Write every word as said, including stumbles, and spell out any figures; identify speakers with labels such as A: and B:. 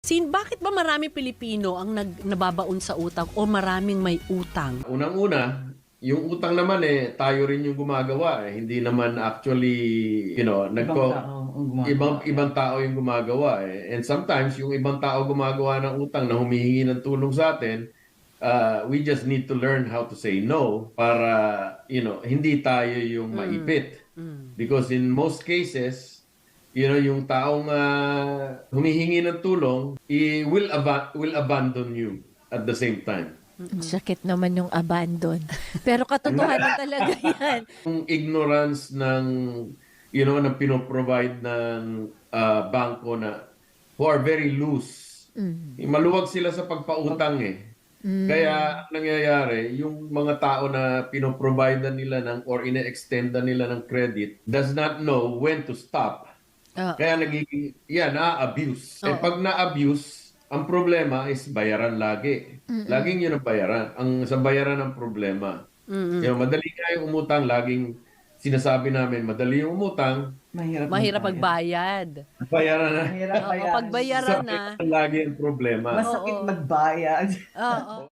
A: Sin bakit ba maraming Pilipino ang nag nababaon sa utang o maraming may utang?
B: Unang-una, yung utang naman eh, tayo rin yung gumagawa eh. Hindi naman actually, you know,
C: Ibang
B: nagko,
C: tao ang gumagawa.
B: ibang, ibang tao yung gumagawa eh. And sometimes, yung ibang tao gumagawa ng utang na humihingi ng tulong sa atin, uh, we just need to learn how to say no para, you know, hindi tayo yung maipit.
A: Mm.
B: Because in most cases, you know, yung taong uh, humihingi ng tulong, i will, aba- will abandon you at the same time.
D: Ang sakit naman yung abandon. Pero katotohanan talaga yan.
B: Yung ignorance ng, you know, ng pinoprovide ng uh, bangko na who are very loose.
D: Mm.
B: Maluwag sila sa pagpautang eh.
D: Mm.
B: Kaya ang nangyayari, yung mga tao na pinoprovide nila ng or ine-extend nila ng credit does not know when to stop.
D: Oo.
B: Kaya nagiging, yan, na-abuse. Eh
A: Oo.
B: pag na-abuse, ang problema is bayaran lagi. Laging yun ang bayaran. Ang sa bayaran ang problema.
A: Mm-mm.
B: Yung madali nga yung umutang, laging sinasabi namin, madali yung umutang,
C: Mahirap,
A: Mahirap
C: magbayad.
A: magbayad.
B: bayaran na.
C: Mahirap
A: Oo,
C: bayad.
A: pag bayaran na.
B: Lagi ang problema.
C: Masakit
A: Oo.
C: magbayad.
A: Oo.